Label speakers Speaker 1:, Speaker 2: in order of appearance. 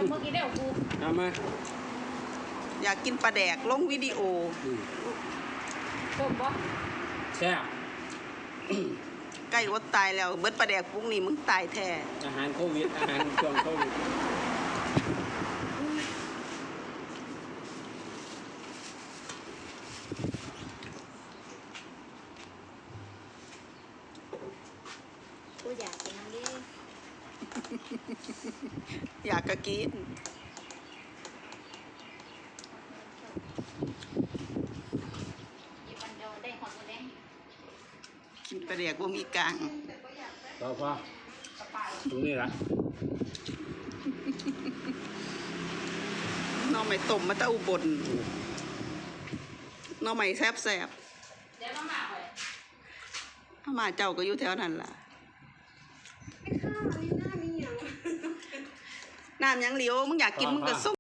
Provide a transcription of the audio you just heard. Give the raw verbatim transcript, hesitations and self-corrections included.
Speaker 1: เมื่อกี้ได้ของกู
Speaker 2: ทำมา
Speaker 3: อยากกินปลาแดกลงวิดีโอ
Speaker 1: ต้มปะ
Speaker 2: แซ่บ
Speaker 3: ใกล้อดตายแล้วเบิดปลาแดกพวกนี้มึงตายแท้
Speaker 2: อาหารโควิดอาหารช่วงโควิด
Speaker 1: กูอยากกินน้ำดิ
Speaker 3: อยากกะกินกินปลาแดกว่ามีกลาง
Speaker 2: ต่อพอตรงนี้ละ
Speaker 3: น้องใหม่ต้มมาตะอุบลน้องใหม่แซ่บแซ่บ
Speaker 1: เดี๋ยวมาหมาไป
Speaker 3: ถ้ามาเจ้าก็อยู่แถวนั้นล่ะน้ำยังเหลียวมึงอยากกินมึงก็ส้ม